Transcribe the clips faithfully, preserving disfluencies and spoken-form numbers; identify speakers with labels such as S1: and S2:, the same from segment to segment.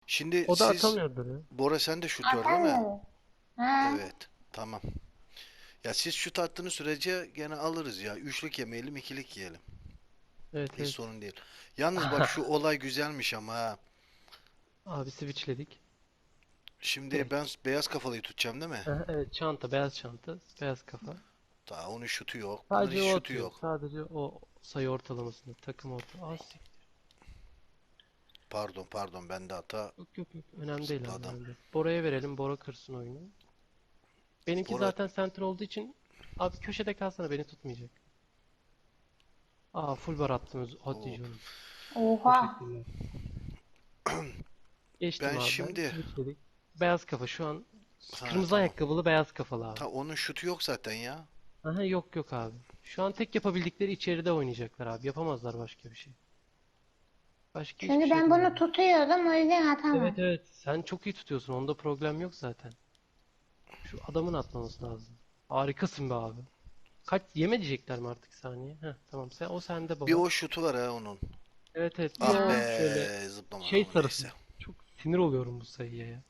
S1: Şimdi
S2: O da
S1: siz
S2: atamıyordur ya.
S1: Bora sen de şutör değil mi?
S3: Atamıyorum. Ha.
S1: Evet. Tamam. Ya siz şut attığınız sürece gene alırız ya. Üçlük yemeyelim, ikilik yiyelim.
S2: Evet
S1: Hiç
S2: evet.
S1: sorun değil. Yalnız bak şu olay güzelmiş ama ha.
S2: Abi switchledik.
S1: Şimdi
S2: Direkt.
S1: ben beyaz kafalıyı tutacağım değil mi?
S2: Aha, evet çanta, beyaz çanta, beyaz kafa.
S1: Daha onun şutu yok. Bunların
S2: Sadece
S1: hiç
S2: o
S1: şutu
S2: atıyor.
S1: yok.
S2: Sadece o sayı ortalamasında takım orta. Az sik-
S1: Pardon pardon bende hata.
S2: Yok yok yok. Önemli değil abi.
S1: Zıpladım.
S2: Önemli değil. Bora'ya verelim. Bora kırsın oyunu. Benimki
S1: Bora
S2: zaten center olduğu için abi köşede kalsana, beni tutmayacak. Aa full bar attınız. Hadi
S1: o.
S2: canım.
S3: Oha.
S2: Teşekkürler. Geçtim
S1: Ben
S2: abi ben.
S1: şimdi
S2: Switchledik. Beyaz kafa şu an
S1: ha
S2: kırmızı
S1: tamam.
S2: ayakkabılı beyaz kafalı abi.
S1: Ta onun şutu yok zaten ya.
S2: Aha yok yok abi. Şu an tek yapabildikleri içeride oynayacaklar abi. Yapamazlar başka bir şey. Başka hiçbir
S3: Çünkü
S2: şey
S3: ben bunu
S2: yapamazlar.
S3: tutuyordum o yüzden
S2: Evet
S3: atamam.
S2: evet. Sen çok iyi tutuyorsun. Onda problem yok zaten. Şu adamın atmaması lazım. Harikasın be abi. Kaç yeme diyecekler mi artık saniye? Heh tamam. Sen o sende
S1: Bir
S2: baba.
S1: o şutu var ha onun.
S2: Evet evet. Bir
S1: Ah
S2: o
S3: Ya.
S2: şöyle
S1: be zıplamadı
S2: şey
S1: ama
S2: sarısı.
S1: neyse.
S2: Çok sinir oluyorum bu sayıya ya.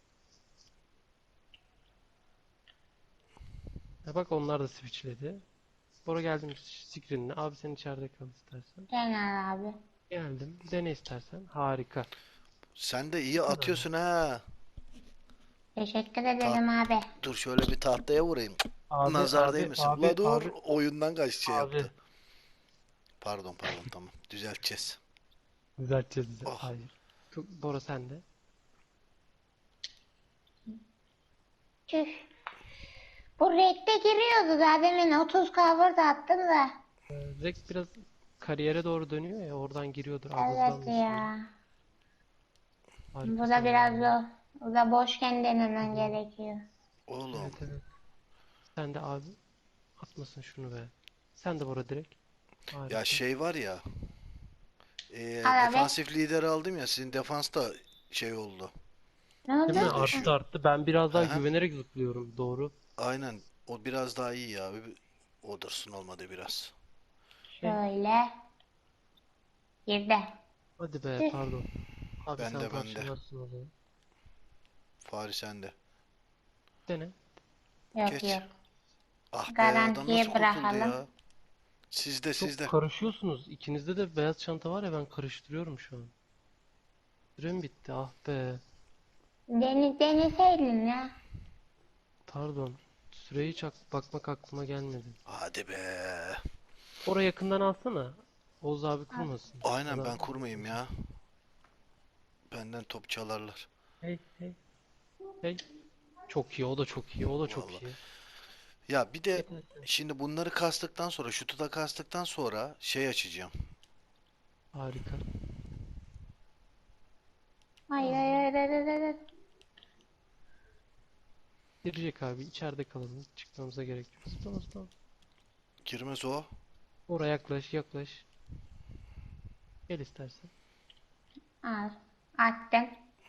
S2: Ya bak onlar da switchledi. Bora geldim screen'ine. Abi sen içeride kal istersen.
S3: Genel abi.
S2: Geldim. Dene istersen. Harika.
S1: Sen de
S2: Bu
S1: iyi
S2: kadar ya.
S1: atıyorsun ha.
S3: Teşekkür
S1: Taht
S3: ederim abi.
S1: dur şöyle bir tahtaya vurayım.
S2: Abi
S1: Nazar
S2: abi
S1: değmesin.
S2: abi
S1: Ula dur
S2: abi
S1: oyundan kaç şey
S2: abi.
S1: yaptı. Pardon pardon tamam. Düzelteceğiz.
S2: Düzelteceğiz bize.
S1: Oh.
S2: Hayır. Çok- Bora sende.
S3: Tüh. Bu renkte giriyordu daha demin otuz cover da attım da.
S2: Ee, Rek biraz kariyere doğru dönüyor ya, oradan giriyordur. Abi
S3: Evet
S2: hızlandı şimdi.
S3: ya. Bu
S2: Harikasın
S3: da biraz
S2: vallahi.
S3: zor. Bu da boşken denemen
S2: Hadi.
S3: gerekiyor.
S1: Oğlum.
S2: Evet evet. Sen de abi atmasın şunu be. Sen de Bora direkt.
S1: Ya
S2: Harika.
S1: şey var ya. E,
S3: Al abi.
S1: defansif lider aldım ya. Sizin defans da şey oldu.
S3: Ne
S2: Değil mi?
S3: oldu?
S2: Arttı arttı. Ben biraz
S1: Hı
S2: daha
S1: hı.
S2: güvenerek zıplıyorum. Doğru.
S1: Aynen. O biraz daha iyi ya. O dursun olmadı biraz.
S2: Hey.
S3: Şöyle. Girdi.
S2: Hadi be
S3: Tüh.
S2: pardon. Abi sen
S1: Bende bende.
S2: parçalarsın o zaman.
S1: Fari sende.
S2: Dene.
S3: Yok
S1: Geç.
S3: yok.
S1: Ah be adam
S3: Garantiye
S1: nasıl kurtuldu
S3: bırakalım.
S1: ya? Sizde
S2: Çok
S1: sizde.
S2: karışıyorsunuz. İkinizde de beyaz çanta var ya, ben karıştırıyorum şu an. Sürem bitti. Ah be.
S3: Deni, deneseydin ya.
S2: Pardon. Süreyi hiç ak- bakmak aklıma gelmedi.
S1: Hadi be.
S2: Oraya yakından alsana. Oğuz abi
S3: Al.
S2: kurmasın.
S1: Aynen
S2: Adam
S1: ben kurmayayım ya. Benden top çalarlar.
S2: hey hey hey. Çok iyi, o da çok iyi, o da çok
S1: Vallahi.
S2: iyi.
S1: Ya bir de
S2: Yeter.
S1: şimdi bunları kastıktan sonra, şutu da kastıktan sonra şey açacağım.
S2: Harika.
S3: Hayır
S2: Tamam.
S3: hayır hayır hayır. hayır.
S2: Girecek abi, içeride kalalım. Çıkmamıza gerek yok. Zıplama zıplama.
S1: Girmez o.
S2: Oraya yaklaş yaklaş. Gel istersen.
S3: Al. Attım.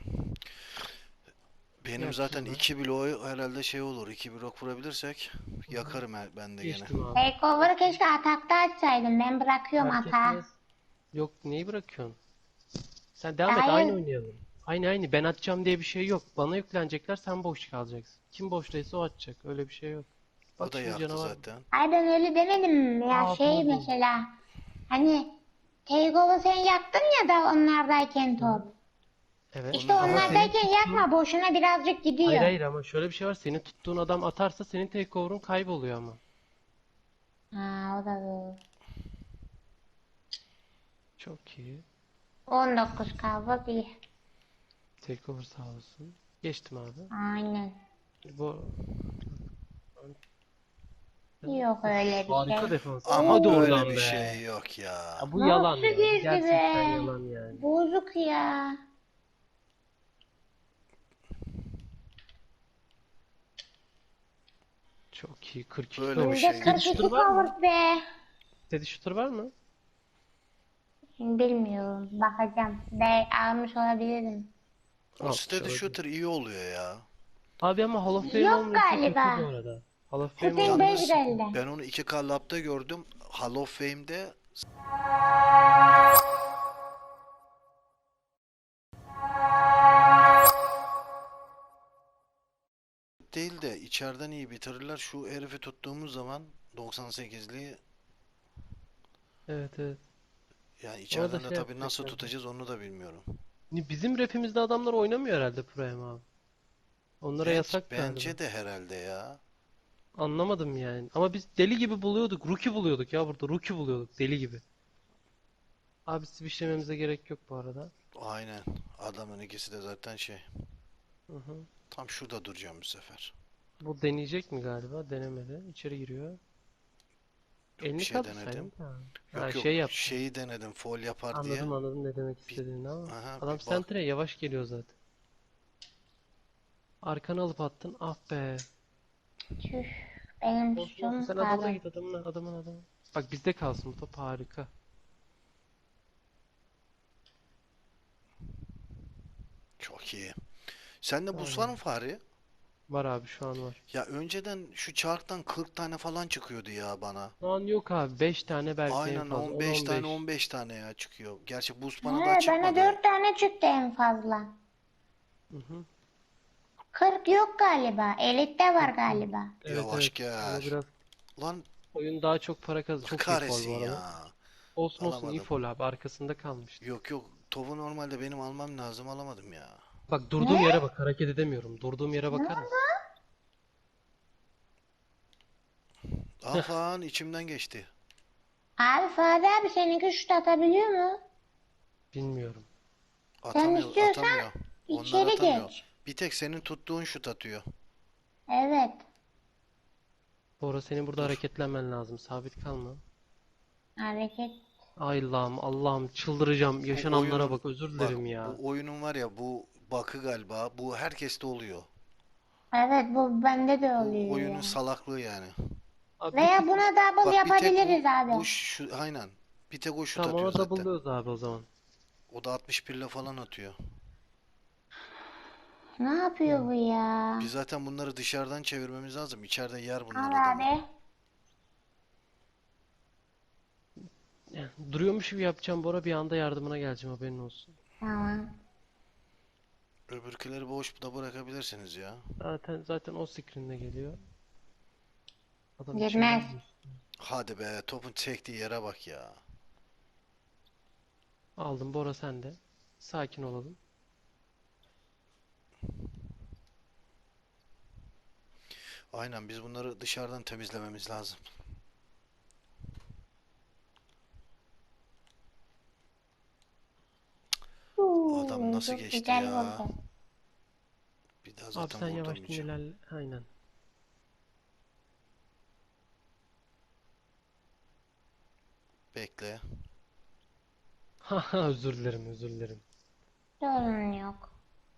S1: Benim
S2: Gel
S1: zaten
S2: kızıma.
S1: iki bloğu herhalde şey olur. iki blok vurabilirsek
S2: Hı hı.
S1: yakarım he- ben de gene.
S2: Geçtim abi.
S3: Takeover'ı keşke atakta açsaydım. Ben bırakıyorum
S2: Fark
S3: atağı.
S2: etmez. Yok, neyi bırakıyorsun? Sen devam et, aynı
S3: Hayır.
S2: oynayalım. Aynı aynı, ben atacağım diye bir şey yok. Bana yüklenecekler, sen boş kalacaksın. Kim boştaysa o atacak, öyle bir şey yok.
S1: O
S2: Bak
S1: da
S2: şimdi
S1: yaktı
S2: canavar.
S1: zaten.
S3: Hayır ben öyle demedim. Ya
S2: Aa
S3: şey
S2: pardon.
S3: mesela. Hani Takeover sen yaktın ya da onlardayken
S2: Hı hı.
S3: top.
S2: Evet
S3: İşte
S1: Onu
S2: ama
S1: ha.
S2: senin
S3: onlardayken
S2: tuttuğun...
S3: yakma. Boşuna birazcık
S2: Hayır
S3: gidiyor.
S2: hayır, ama şöyle bir şey var. Senin tuttuğun adam atarsa senin takeover'un kayboluyor ama.
S3: Ha o da doğru.
S2: Çok iyi.
S3: on dokuz kaldı bir.
S2: Takeover sağ olsun. Geçtim abi.
S3: Aynen.
S2: Bu
S3: Yok öyle bir
S2: harika
S3: şey.
S2: defans.
S1: Ama
S2: Hadi
S1: böyle
S2: oradan
S1: bir
S2: be.
S1: şey yok ya.
S2: Ya bu yalan
S3: Nasıl
S2: ya. Bu
S3: girdi
S2: gerçekten
S3: be?
S2: yalan yani.
S3: Bozuk ya.
S2: Çok iyi. kırk iki
S1: Böyle bir
S2: cover.
S1: şey
S3: Yüzde
S1: yok.
S2: Steady
S3: kırk iki
S2: shooter var mı?
S3: cover be.
S2: Steady shooter var mı?
S3: Bilmiyorum. Bakacağım. Ben almış olabilirim.
S1: O
S2: Almış
S1: steady
S2: olabilir.
S1: shooter iyi oluyor ya.
S2: Abi ama Hall of Fame
S3: Yok
S2: olmuyorsa kötü bu
S3: galiba.
S2: arada. Hall of Fame
S3: Shooting
S2: olmuyorsa
S3: beş
S1: Yalnız
S2: kötü.
S3: geldi.
S1: ben onu iki K Lab'da gördüm. Hall of Fame'de içeriden iyi bitirirler. Şu herifi tuttuğumuz zaman doksan sekizliği,
S2: Evet evet.
S1: yani
S2: Ona da
S1: içeriden de
S2: şey
S1: tabii nasıl
S2: yapacaklar.
S1: tutacağız onu da bilmiyorum.
S2: Ni- Bizim rapimizde adamlar oynamıyor herhalde Prime abi. Onlara
S1: Bence,
S2: yasak galiba.
S1: bence de herhalde ya.
S2: Anlamadım yani. Ama biz deli gibi buluyorduk. Rookie buluyorduk ya burada. Rookie buluyorduk. Deli gibi. Abi switchlememize gerek yok bu arada.
S1: Aynen. Adamın ikisi de zaten şey.
S2: Hı hı.
S1: Tam şurada duracağım bu sefer.
S2: Bu deneyecek mi galiba? Denemedi. İçeri giriyor.
S1: Yok, bir
S2: Elini
S1: şey denedim.
S2: kaldırsaydın da. Ha
S1: Yok
S2: şey
S1: yok,
S2: yaptı.
S1: şeyi denedim foul yapar diye.
S2: Anladım anladım ne demek
S1: Bir,
S2: istediğini ama.
S1: aha,
S2: Adam
S1: bir bak.
S2: sentre yavaş geliyor zaten. Arkanı alıp attın. Ah be.
S3: Tüh. Benim
S2: Olsun olsun.
S3: suçum
S2: Sen adamına
S3: pardon.
S2: git adamına adamın adamın. Bak bizde kalsın bu top harika.
S1: Çok iyi. Sende buz var mı
S2: Aynen.
S1: Fahri?
S2: Var abi şu an var.
S1: Ya önceden şu çarktan kırk tane falan çıkıyordu ya bana.
S2: Şu an yok abi. beş tane belki en
S1: Aynen
S2: fazla.
S1: on beş tane
S2: on on beş.
S1: on beş tane ya çıkıyor. Gerçi buz bana daha
S3: He, bana
S1: çıkmadı.
S3: dört tane çıktı en fazla.
S2: Hı hı.
S3: Kırk yok galiba. Elit'te var galiba.
S2: Evet
S1: Yavaş
S2: evet. Ama
S1: gel.
S2: biraz
S1: Lan
S2: oyun daha çok para kazan.
S1: Allah
S2: Çok iyi fol
S1: kahretsin
S2: bu arada.
S1: ya.
S2: Olsun olsun iyi
S1: Alamadım.
S2: fol abi. Arkasında kalmıştı.
S1: Yok yok. Topu normalde benim almam lazım. Alamadım ya.
S2: Bak durduğum
S3: Ne?
S2: yere bak. Hareket edemiyorum. Durduğum yere
S3: Ne
S2: bakar
S3: oldu?
S2: mısın?
S1: Ah lan içimden geçti.
S3: Abi Fadi abi seninki şut atabiliyor mu?
S2: Bilmiyorum.
S3: Sen
S1: Atamıyor,
S3: istiyorsan
S1: atamıyor. Onlar
S3: içeri
S1: atamıyor.
S3: geç.
S1: Bir tek senin tuttuğun şut atıyor.
S3: Evet.
S2: Bora senin burada
S1: Dur.
S2: hareketlenmen lazım. Sabit kalma.
S3: Hareket.
S2: Ay Allah'ım Allah'ım çıldıracağım.
S1: Bu
S2: Yaşananlara
S1: oyunun
S2: bak özür
S1: bak
S2: dilerim ya.
S1: bu oyunun var ya bu bakı galiba. Bu herkeste oluyor.
S3: Evet bu bende de
S1: Bu
S3: oluyor
S1: oyunun
S3: ya.
S1: salaklığı yani.
S2: Abi bir
S3: Veya
S2: tık
S3: buna double
S1: Bak bir tek bu
S3: yapabiliriz abi.
S1: bu şu aynen. Bir tek o şut
S2: tamam
S1: atıyor
S2: ona
S1: zaten.
S2: double'lıyoruz abi o zaman.
S1: O da altmış bir ile falan atıyor.
S3: Ne yapıyor bu ya?
S1: Biz zaten bunları dışarıdan çevirmemiz lazım. İçeride yer bunlar
S3: Al
S1: adamı.
S3: abi.
S2: Duruyormuş gibi yapacağım Bora bir anda yardımına geleceğim haberin olsun.
S3: Tamam.
S1: Öbürküleri boş da bırakabilirsiniz ya.
S2: Zaten zaten o screen'de geliyor. Adam
S3: Girmez.
S2: içinden geçti.
S1: Hadi be topun çektiği yere bak ya.
S2: Aldım Bora sen de. Sakin olalım.
S1: Aynen biz bunları dışarıdan temizlememiz lazım. Adam
S3: Uuu,
S1: nasıl
S3: çok
S1: geçti
S3: güzel
S1: ya?
S3: vurdu.
S1: Bir daha
S2: Abi
S1: zaten
S2: sen yavaştan
S1: vurdurmayacağım.
S2: ilerle. Aynen.
S1: Bekle.
S2: Haha özür dilerim özür dilerim.
S3: Sorun yok.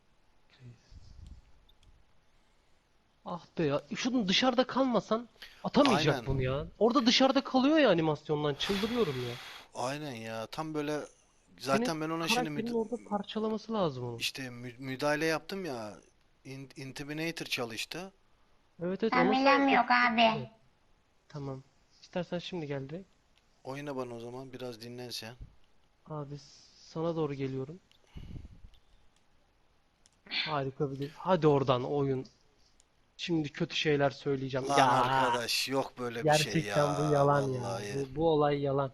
S2: Ah be ya. Şunun dışarıda kalmasan atamayacak
S1: Aynen.
S2: bunu ya. Orada dışarıda kalıyor ya animasyondan. Çıldırıyorum ya.
S1: Aynen ya. Tam böyle
S2: Senin
S1: zaten ben ona şimdi
S2: karakterin
S1: müd-
S2: orada parçalaması lazım onu.
S1: işte mü- müdahale yaptım ya. In- Intimidator çalıştı.
S2: Evet evet onun
S3: Kamilem
S2: sayesinde
S3: yok abi.
S2: evet, tamam. İstersen şimdi gel direkt.
S1: Oyna bana o zaman biraz dinlen sen.
S2: Abi sana doğru geliyorum. Harika bir hadi oradan oyun. Şimdi kötü şeyler söyleyeceğim.
S1: Lan
S2: Ya
S1: arkadaş yok böyle bir şey ya.
S2: gerçekten bu yalan ya.
S1: Vallahi.
S2: Bu, bu olay yalan.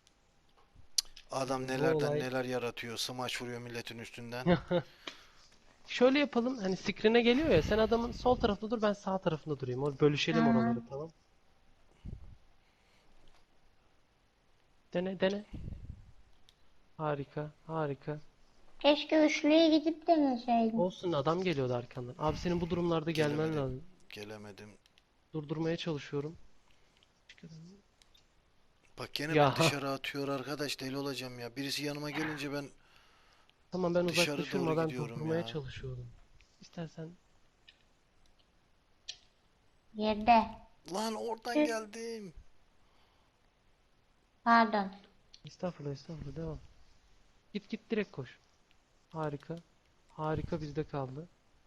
S1: Adam
S2: Bu
S1: nelerden
S2: olay.
S1: neler yaratıyor. Smaç vuruyor milletin üstünden.
S2: Şöyle yapalım. Hani screen'e geliyor ya. Sen adamın sol tarafında dur ben sağ tarafında durayım. O bölüşelim oraları
S3: Tamam.
S2: tamam. Dene dene. Harika harika.
S3: Keşke üçlüye gidip deneseydim.
S2: Olsun adam geliyordu arkandan. Abi senin bu durumlarda gelmen
S1: Gelemedim.
S2: lazım.
S1: Gelemedim.
S2: Durdurmaya çalışıyorum.
S1: Bak gene
S2: Ya
S1: beni dışarı atıyor arkadaş deli olacağım ya. Birisi yanıma gelince ben
S2: tamam ben
S1: dışarı
S2: uzaklaşıyorum
S1: doğru
S2: ama ben
S1: gidiyorum
S2: durdurmaya
S1: ya.
S2: çalışıyorum. İstersen
S3: Yerde.
S1: Lan oradan
S3: Tüh.
S1: geldim.
S3: Pardon.
S2: estağfurullah estağfurullah devam. Git git direkt koş. Harika. Harika bizde kaldı.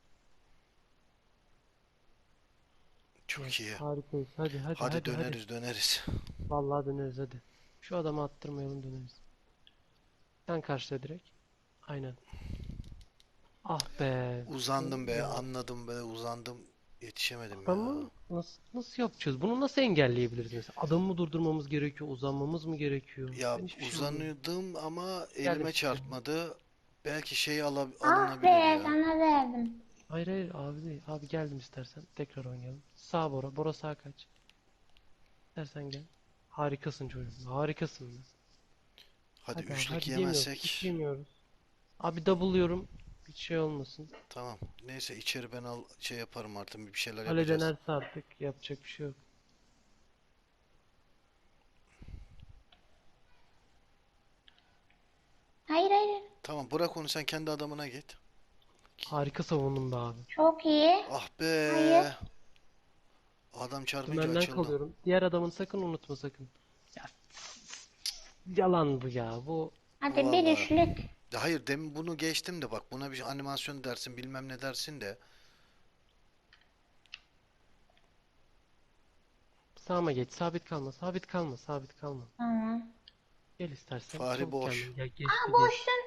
S1: Çok iyi.
S2: Harikayız. Hadi hadi
S1: Hadi
S2: hadi hadi.
S1: döneriz döneriz.
S2: Vallahi döneriz hadi. Şu adamı attırmayalım döneriz. Sen karşıla direkt. Aynen. Ah be.
S1: Uzandım be
S2: Ya
S1: anladım be uzandım. Yetişemedim ya.
S2: Ama nasıl, nasıl yapacağız? Bunu nasıl engelleyebiliriz mesela? Adamı mı durdurmamız gerekiyor? Uzanmamız mı gerekiyor?
S1: Ya
S2: Ben hiçbir şey anlamadım.
S1: uzanıyordum ama
S2: Geldim
S1: elime
S2: size.
S1: çarpmadı. Belki şey ala-
S3: Ah
S1: alınabilir
S3: be
S1: ya.
S3: sana verdim.
S2: Hayır hayır abi değil. Abi geldim istersen. Tekrar oynayalım. Sağ Bora. Bora sağ kaç. İstersen gel. Harikasın çocuğum. Harikasın be.
S1: Hadi
S2: Hadi abi
S1: üçlük
S2: hadi yemiyoruz.
S1: yemezsek.
S2: Hiç yemiyoruz. Abi double'lıyorum. Hiç şey olmasın.
S1: Tamam. Neyse içeri ben al şey yaparım artık bir şeyler
S2: Kale
S1: yapacağız.
S2: denerse artık yapacak bir şey yok.
S3: Hayır hayır.
S1: Tamam bırak onu sen kendi adamına git.
S2: Harika savundun be abi.
S3: Çok iyi.
S1: Ah be.
S3: Hayır.
S1: Adam çarpınca
S2: Dümenden
S1: açıldı.
S2: kalıyorum. Diğer adamın sakın unutma sakın. Ya yalan bu ya. Bu
S3: Hadi bir
S1: Vallahi.
S3: üçlük.
S1: Ya hayır demin bunu geçtim de bak buna bir animasyon dersin bilmem ne dersin de.
S2: sağıma geç. Sabit kalma. Sabit kalma. Sabit kalma.
S3: Tamam.
S2: Gel istersen.
S1: Fahri
S2: Çabuk
S1: boş.
S2: kendin. Gel geçti
S3: Aa
S2: geçti.
S3: boşsun.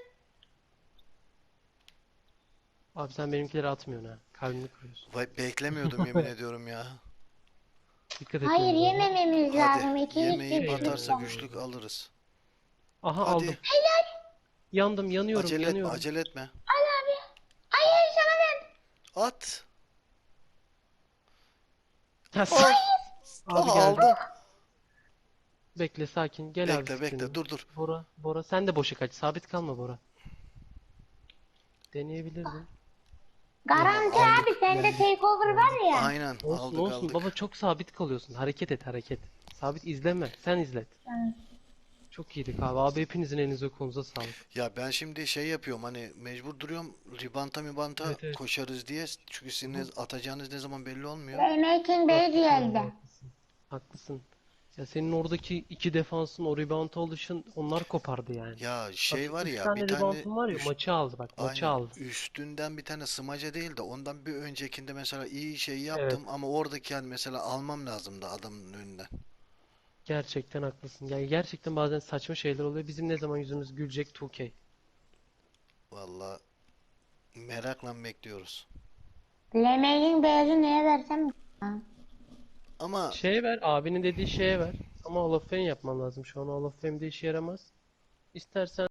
S2: Abi sen benimkileri atmıyorsun ha. Kalbini kırıyorsun.
S1: Vay beklemiyordum yemin ediyorum ya.
S2: Dikkat
S3: Hayır
S2: etmemiz lazım.
S3: yemememiz lazım.
S1: Hadi
S3: İki
S1: yemeği
S3: üçlük
S1: batarsa
S3: lütfen.
S1: güçlük alırız.
S2: Aha
S1: Hadi
S2: aldım. Yandım, yanıyorum,
S1: acele etme
S2: yanıyorum.
S1: acele etme.
S3: Al abi. Hayır sana verdim.
S1: At.
S2: Ha,
S1: Ah,
S2: Abi
S1: ah,
S2: geldi.
S1: aldım.
S2: Bekle sakin. Gel abi
S1: Bekle bekle
S2: screen'e.
S1: dur dur.
S2: Bora, Bora sen de boşa kaç. Sabit kalma Bora. Deneyebilirdin.
S3: Garanti
S1: Aldık.
S3: abi sende takeover var ya.
S1: Aynen
S2: Olsun
S1: aldık
S2: olsun
S1: aldık.
S2: baba çok sabit kalıyorsun. Hareket et hareket. Sabit izleme. Sen izlet.
S3: Tamam.
S2: Çok iyiydik abi. Abi hepinizin elinize kolunuza sağlık.
S1: Ya ben şimdi şey yapıyorum hani mecbur duruyorum ribanta mibanta
S2: Evet, evet.
S1: koşarız diye. Çünkü sizin ne- atacağınız ne zaman belli olmuyor.
S3: Playmaking Bey
S2: Haklısın abi,
S3: geldi.
S2: haklısın. Haklısın. Ya senin oradaki iki defansın o rebound alışın onlar kopardı yani.
S1: Ya
S2: Bak
S1: şey
S2: şu
S1: var
S2: üç
S1: ya
S2: tane
S1: bir tane
S2: reboundun var ya
S1: üst,
S2: maçı aldı bak maçı
S1: aynen
S2: aldı.
S1: üstünden bir tane smaca değil de ondan bir öncekinde mesela iyi şey
S2: Evet.
S1: yaptım ama oradaki yani mesela almam lazımdı adamın önünden.
S2: Gerçekten haklısın. Yani gerçekten bazen saçma şeyler oluyor. Bizim ne zaman yüzümüz gülecek iki K.
S1: Vallahi merakla bekliyoruz.
S3: Playmaking Bey'e neye versem? Ha.
S1: Ama
S2: Şeye ver, abinin dediği şeye ver. Ama Hall of Fame yapman lazım. Şu an Hall of Fame'de işe yaramaz. İstersen